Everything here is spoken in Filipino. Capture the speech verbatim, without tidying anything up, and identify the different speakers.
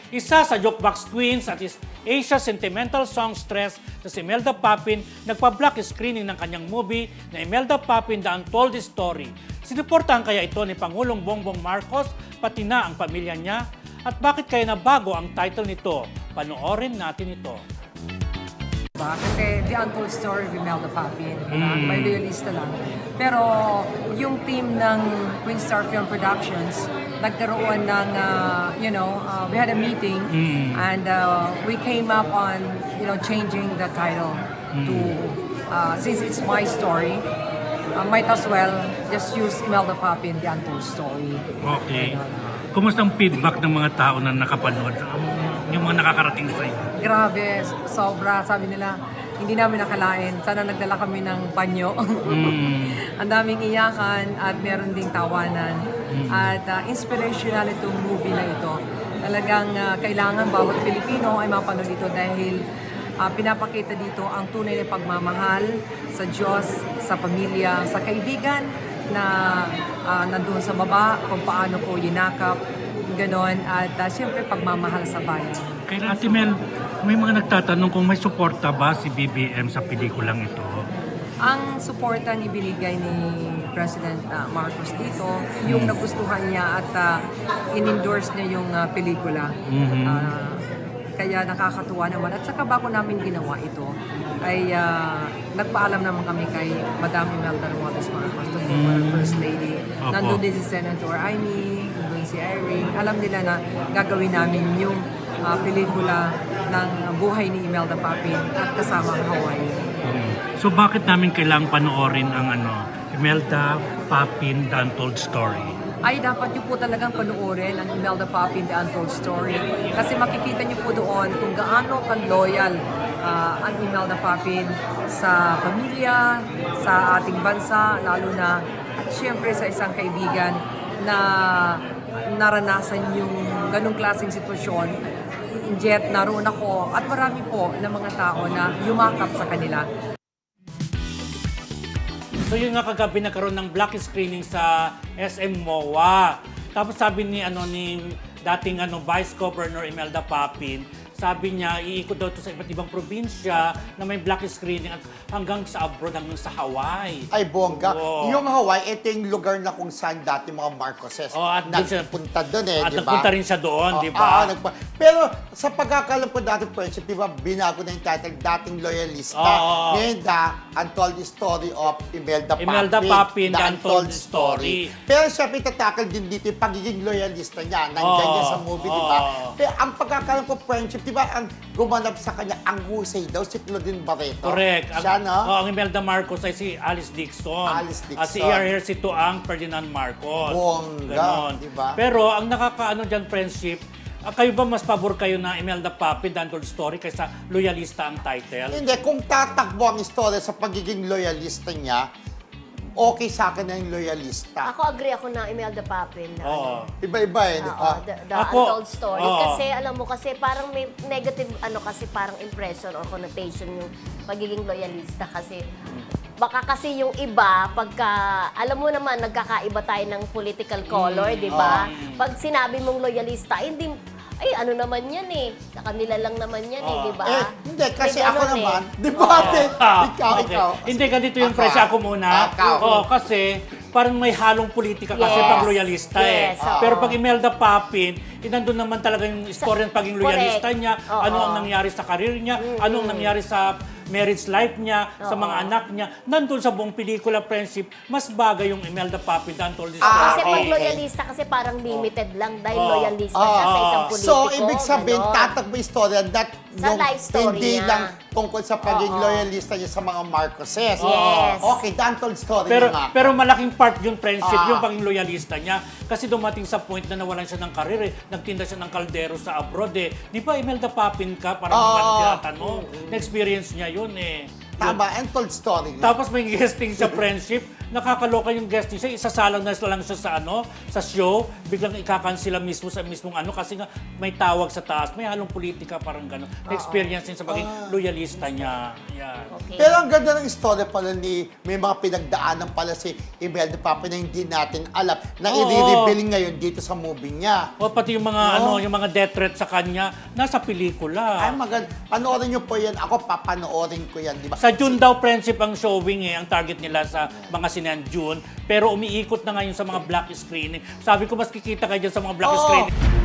Speaker 1: Isa sa jukebox queens at is Asia sentimental songstress na si Imelda Papin nagpa-block screening ng kanyang movie na Imelda Papin The Untold Story. Sinuportahan kaya ito ni Pangulong Bongbong Marcos pati na ang pamilya niya? At bakit kaya nabago ang title nito? Panoorin natin ito.
Speaker 2: Kasi The Untold Story of Imelda Papin,
Speaker 1: Mm.
Speaker 2: may loyalista lang. Pero yung team ng Queen Star Film Productions, nagkaroon ng, uh, you know, uh, we had a meeting
Speaker 1: Mm.
Speaker 2: and uh, we came up on, you know, changing the title to, uh, since it's my story, uh, might as well just use Imelda Papin, The Untold Story.
Speaker 1: Okay. Kumusta ang feedback ng mga tao na nakapanood? Yung mga nakakarating sa iyo?
Speaker 2: Grabe, sobra. Sabi nila, hindi namin nakalain. Sana nagdala kami ng panyo.
Speaker 1: Mm.
Speaker 2: Ang daming iyakan at meron ding tawanan. At uh, inspirational itong movie na ito. Talagang uh, kailangan bawat Pilipino ay mapanood ito dahil uh, pinapakita dito ang tunay na pagmamahal sa Diyos, sa pamilya, sa kaibigan na uh, nandun sa baba, kung paano po yinakap, ganon, at uh, siyempre pagmamahal sa bayan.
Speaker 1: Kay Ate Mel, may mga nagtatanong kung may suporta ba si B B M sa pelikulang ito?
Speaker 2: Ang suporta ni binigay ni President uh, Marcos dito, yung nagustuhan niya at uh, in-endorse niya yung uh, pelikula.
Speaker 1: Mhm.
Speaker 2: Uh, kaya nakakatuwa naman. At saka bago namin ginawa ito, ay uh, nagpaalam naman kami kay Madam Imelda Romualdez Marcos, the former First Lady.
Speaker 1: Opo.
Speaker 2: Nandun din si Senator Amy, nandun si Irene. Alam nila na gagawin namin yung uh, pelikula ng buhay ni Imelda Papin at kasama ang Hawaii.
Speaker 1: So bakit namin kailangang panoorin ang ano, Imelda Papin The Untold Story?
Speaker 2: Ay dapat niyo po talagang panoorin ang Imelda Papin The Untold Story kasi makikita niyo po doon kung gaano ka-loyal uh, ang Imelda Papin sa pamilya, sa ating bansa, lalo na at syempre sa isang kaibigan na naranasan yung ganong klaseng sitwasyon. Jet, naroon ako at marami po ng mga tao na yumakap sa kanila.
Speaker 1: So yun nga kagabi nagkaroon ng black screening sa S M M O A. Tapos sabi ni ano ni dating ano Vice Governor Imelda Papin, sabi niya iikot daw to sa iba't ibang probinsya na may black screening at hanggang sa abroad, hanggang sa Hawaii.
Speaker 3: Ay, bongga.
Speaker 1: Oo.
Speaker 3: Yung Hawaii, ito yung lugar na kung saan dati mga Marcoses
Speaker 1: Oo, at doon siya-
Speaker 3: nagpunta doon eh,
Speaker 1: At
Speaker 3: di ba?
Speaker 1: nagpunta rin siya doon,
Speaker 3: Oo,
Speaker 1: di ba?
Speaker 3: oo, nagpa- Pero sa pagkakalam ko dati, friendship, di ba, binago na yung title, dating loyalista.
Speaker 1: Oo.
Speaker 3: Ngayon, The Untold Story of Imelda Papin.
Speaker 1: Imelda Papin, The Untold Story.
Speaker 3: Pero syempre, tatakal din dito yung pagiging loyalista niya. Nandiyan
Speaker 1: Oo.
Speaker 3: niya sa movie, di ba?
Speaker 1: Oo.
Speaker 3: Pero ang pagkakalam ko, friendship, di ba, ang gumanap sa kanya, ang husay daw, si Claudine Barreto.
Speaker 1: Correct. Ang,
Speaker 3: Siya, no?
Speaker 1: oh, ang Imelda Marcos ay si Alice Dixon.
Speaker 3: Alice Dixon.
Speaker 1: At si E R Hersi ang Ferdinand Marcos.
Speaker 3: Bongga,
Speaker 1: Ganon.
Speaker 3: di ba?
Speaker 1: Pero ang nakakaano dyan, friendship, ah, kayo ba mas pabor kayo na Imelda Papin, The Untold Story, kaysa loyalista ang title?
Speaker 3: Hindi, kung tatakbo ang istorya sa pagiging loyalista niya, okay sa akin na yung loyalista.
Speaker 4: Ako agree ako na Imelda Papin. Na,
Speaker 1: Oo.
Speaker 3: Iba-iba eh, di
Speaker 4: Oo,
Speaker 3: ba?
Speaker 4: the, the
Speaker 1: Ako-
Speaker 4: Untold Story.
Speaker 1: oo.
Speaker 4: Kasi alam mo, kasi parang may negative, ano kasi parang impression or connotation yung pagiging loyalista. Kasi baka kasi yung iba, pagka, alam mo naman, nagkakaiba tayo ng political color, di ba? Pag sinabi mong loyalista, hindi, ay ano naman yan eh. Sa kanila lang naman yan eh, di ba?
Speaker 3: Eh, hindi, kasi
Speaker 4: May
Speaker 3: ako
Speaker 4: ganun
Speaker 3: naman,
Speaker 4: eh.
Speaker 3: di ba, ate?
Speaker 1: Ah,
Speaker 3: ikaw,
Speaker 1: okay.
Speaker 3: ikaw.
Speaker 1: Hindi, ganito yung
Speaker 3: Ako,
Speaker 1: presyo.
Speaker 3: ah.
Speaker 1: Ako muna.
Speaker 3: Ikaw.
Speaker 1: Oo, kasi parang may halong politika kasi
Speaker 4: Yes.
Speaker 1: pag loyalista eh.
Speaker 4: Yes, oo.
Speaker 1: Pero pag Imelda Papin, eh, nandun naman talaga yung istorya ng pagiging loyalista
Speaker 4: Correct.
Speaker 1: niya,
Speaker 4: Oo.
Speaker 1: ano ang nangyari sa karir niya, ano ang nangyari sa marriage life niya, sa mga anak niya. Nandun sa buong pelikula, friendship, mas bagay yung Imelda Papin, The Untold Story.
Speaker 3: Ah,
Speaker 4: Kasi
Speaker 3: okay.
Speaker 4: pag loyalista kasi parang limited lang dahil
Speaker 1: Oo.
Speaker 4: loyalista siya sa isang
Speaker 1: Oo.
Speaker 4: politiko.
Speaker 3: So, ibig sabihin,
Speaker 4: ganon.
Speaker 3: tatakbo yung istorya that
Speaker 4: Sa
Speaker 3: yung
Speaker 4: life story
Speaker 3: hindi
Speaker 4: niya.
Speaker 3: lang tungkol sa pagiging
Speaker 4: Oo.
Speaker 3: loyalista niya sa mga Marcoses.
Speaker 4: Yes.
Speaker 3: Okay, The Untold Story
Speaker 1: Pero
Speaker 3: na nga.
Speaker 1: pero malaking part yung friendship,
Speaker 3: Ah.
Speaker 1: yung pagiging loyalista niya. Kasi dumating sa point na nawalan siya ng karir eh. Nagtinda siya ng kaldero sa abroad eh. Di ba Imelda Papin ka? Parang
Speaker 3: Ah.
Speaker 1: uh, tinatanong. Na-experience niya yun eh.
Speaker 3: Tama, Untold Story.
Speaker 1: Tapos may guesting sa friendship, nakakaloka yung guest niya. Isasalang na lang siya sa ano, sa show, biglang ikakansila mismo sa mismong ano kasi nga may tawag sa taas, may halong politika parang gano'n. Na-experience din sa pagiging loyalista niya. Yan.
Speaker 4: Okay.
Speaker 3: Pero ang ganda ng story pala ni, may mga pinagdaanan pala si Imelda Papin na hindi natin alam, na
Speaker 1: Oo.
Speaker 3: i-reveal ngayon dito sa movie niya.
Speaker 1: O pati yung mga ano, yung mga death threat sa kanya, nasa pelikula.
Speaker 3: Ay, maganda. Panoorin niyo po yan. Ako, papanoorin ko yan, di ba?
Speaker 1: Sa June daw friendship ang showing eh, ang target nila sa mga sinan June. Pero umiikot na ngayon sa mga black screening. Sabi ko, mas kikita kayo dyan sa mga black
Speaker 3: Oo.
Speaker 1: screening.